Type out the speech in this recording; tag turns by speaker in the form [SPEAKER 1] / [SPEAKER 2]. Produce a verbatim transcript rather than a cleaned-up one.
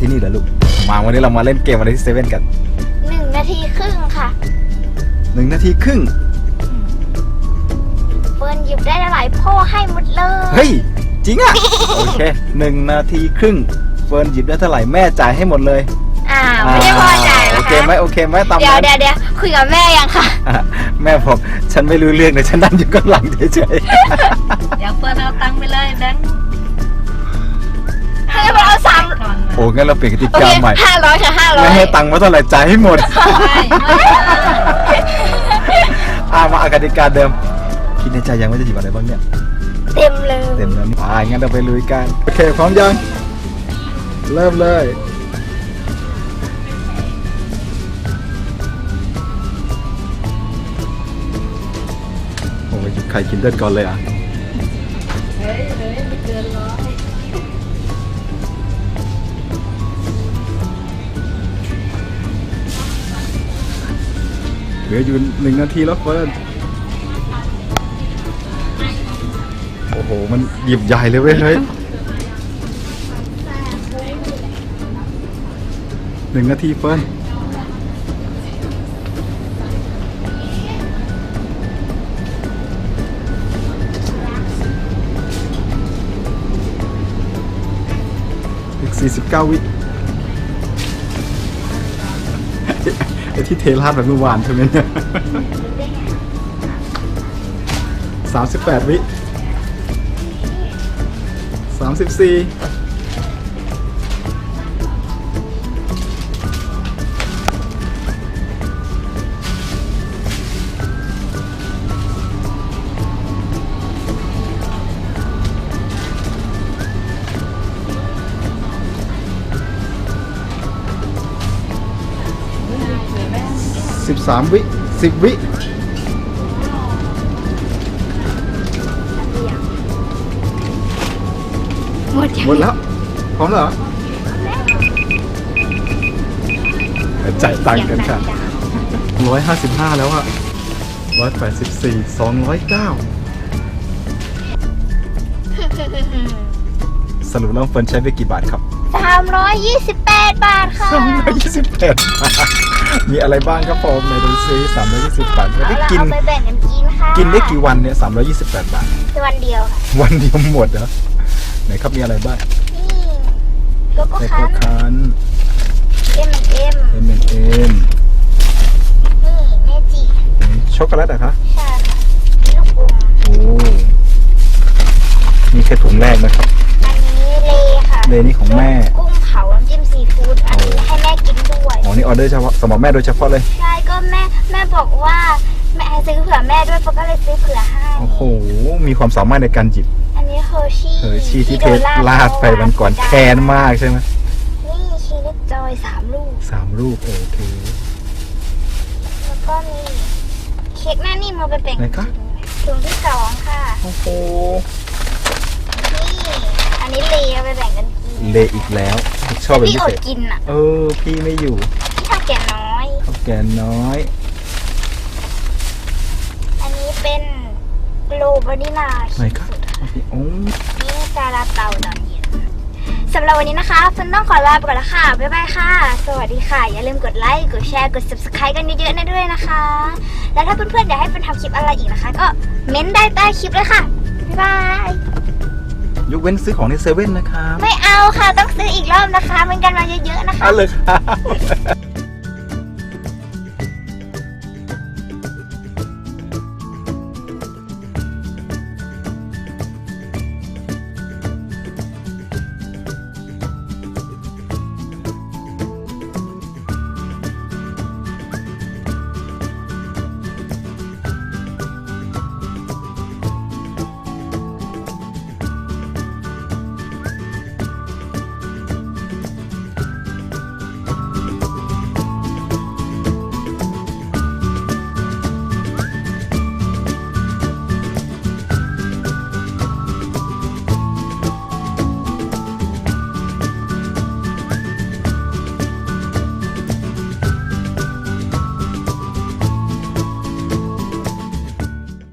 [SPEAKER 1] ที่นี่เหรอลูกมาวันนี้เรามาเล่นเกมอะไรที่เซเว่นกัน
[SPEAKER 2] หนึ่งนาทีครึ่งค่ะ
[SPEAKER 1] หนึ่งนาทีครึ่ง
[SPEAKER 2] เฟิร์นหยิบได้หลายพ่อให้หมดเลย
[SPEAKER 1] เฮ้ยจริงอ่ะ โอเคหนึ่งนาทีครึ่งเฟิร์นหยิบได้เท่าไหร่แม่จ่ายให้หมดเลย
[SPEAKER 2] อ่าไม่ได้พ่อจ่ายนะคะ
[SPEAKER 1] โอเคไหมโอเคไหมตาม
[SPEAKER 2] เดี๋ยวเดี๋ยวเดี๋ยวคุยกับแม่ยังค่ะ
[SPEAKER 1] แม่บอกฉันไม่รู้เรื่องเลยฉันนั่งอยู่ข้างหลังเฉย
[SPEAKER 3] ๆเดี๋ยวเฟิร์นเอาตังค์ไปเลยแบงค์
[SPEAKER 2] ให้เราเอาสาม
[SPEAKER 1] โอ้งั้นเราเปลี่ยนกติกาใหม่
[SPEAKER 2] ห้าร้อยค่ะห้าร้อย
[SPEAKER 1] ไม่ให้ตังค์มาเท่าไหร่จ่ายให้หมดอ่ามาอากติกาเดิมคิดในใจยังไม่จะหยิบอะไรบ้างเนี่ย
[SPEAKER 2] เต็มเลย
[SPEAKER 1] เต็มแล้วนี่อ่างั้นเราไปลุยกันโอเคพร้อมยังเริ่มเลยโอ้ยใครกินเลือดก่อนเลยอ่ะ
[SPEAKER 3] เฮ้ยเฮ้ยไม่เกินร้อย
[SPEAKER 1] เหลืออยู่หนึ่งนาทีแล้วเฟิร์นโอ้โหมันหยิบใหญ่เลยเว้ยเฮ้ยหนึ่งนาทีเฟิร์นอีกสี่สิบเก้าวิไอ้ที่เทราดแบบเมื่อวานใช่ไหมเนี่ยสามสิบแปดวิสามสิบสี่สิบสามวิสิบวิ
[SPEAKER 2] หมด
[SPEAKER 1] หมดแล้วพร้อมแล้วเหรอจ่ายตังค์กันค่ะร้อยห้าสิบห้าแล้วอะร้อยแปดสิบสี่สองร้อยเก้าสรุปแล้วเฟิร์นใช้ไปกี่บาทครับ
[SPEAKER 2] สามร้อยยี่สิบแปดบาทค่ะ
[SPEAKER 1] สามร้อยยี่สิบแปดมีอะไรบ้างครับผมในดูซิสามร้อยยี่สิบบาทได้กิน
[SPEAKER 2] เอาไปแบ่งกันกินค่ะ
[SPEAKER 1] กินได้กี่วันเนี่ยสามร้อยยี่สิบแปดบาท
[SPEAKER 2] วันเดียวค่ะ
[SPEAKER 1] วันเดียวหมดเหรอไหนครับมีอะไรบ้าง
[SPEAKER 2] นี่โกโก้
[SPEAKER 1] คัน
[SPEAKER 2] เอ็มเอ็ม
[SPEAKER 1] เอ็มเอ็ม
[SPEAKER 2] นี่เมจิ
[SPEAKER 1] ช็อกโกแลตอะคะ
[SPEAKER 2] ใช่ค่ะลูกอม
[SPEAKER 1] โอ้นี่แค่ถุงแรกนะครับ
[SPEAKER 2] อันนี้เลค่ะ
[SPEAKER 1] เลนี่ของแม่
[SPEAKER 2] กุ้งเผาน้ำจิ้มซีฟู้ดอันนี้ให้แม่กินด้วย
[SPEAKER 1] อ๋อนี่ออเดอร์เฉพาะสำหรับแม่โดยเฉพาะเลย
[SPEAKER 2] ใช่ก็แม่แม่บอกว่าแม่ให้ซื้อเผื่อแม่ด้วยเพราะก็เลยซื้อเผื่อให้
[SPEAKER 1] โอ้โหมีความสามารถในการหยิบ
[SPEAKER 2] อันนี้เฮอร์ชี่
[SPEAKER 1] เฮอร์ชี่ที่เทลาดไปวันก่อนแค้นมากใช่ไหม
[SPEAKER 2] นี่ชีสจอยสามลูก
[SPEAKER 1] สามลูกโอเค
[SPEAKER 2] แล้วก็มีเค้กหน้านิ่มมาเป็นแบ่งถุงที่สองค่ะ
[SPEAKER 1] โอ้โห
[SPEAKER 2] นี่อันนี้เลเอาไปแบ่งกันกิน
[SPEAKER 1] เลอีกแล้วชอบเป็นพิเศษ
[SPEAKER 2] กินอ่ะ
[SPEAKER 1] เออพี่ไม่อยู่
[SPEAKER 2] พี่ข้าวแก่น้อย
[SPEAKER 1] ข้าวแก่น้อย
[SPEAKER 2] อันนี้เป็นโลบานิลา
[SPEAKER 1] ไหนครับโอ้
[SPEAKER 2] นี่ซาลาเปาตอนเย็นสำหรับวันนี้นะคะเฟิร์นต้องขอลาไปก่อนแล้วค่ะบ๊ายบายค่ะสวัสดีค่ะอย่าลืมกดไลค์กดแชร์กด ซับสไครบ์ กันเยอะๆนะด้วยนะคะแล้วถ้าเพื่อนๆอยากให้เฟิร์นทำคลิปอะไรอีกนะคะก็เม้นได้ใต้คลิปเลยค่ะบ๊ายบาย
[SPEAKER 1] ยกเว้นซื้อของในเซเว่นนะครับ
[SPEAKER 2] ไม่เอาค่ะต้องซื้ออีกรอบนะคะมันกันมาเยอะๆนะคะ
[SPEAKER 1] เอาเลยครับ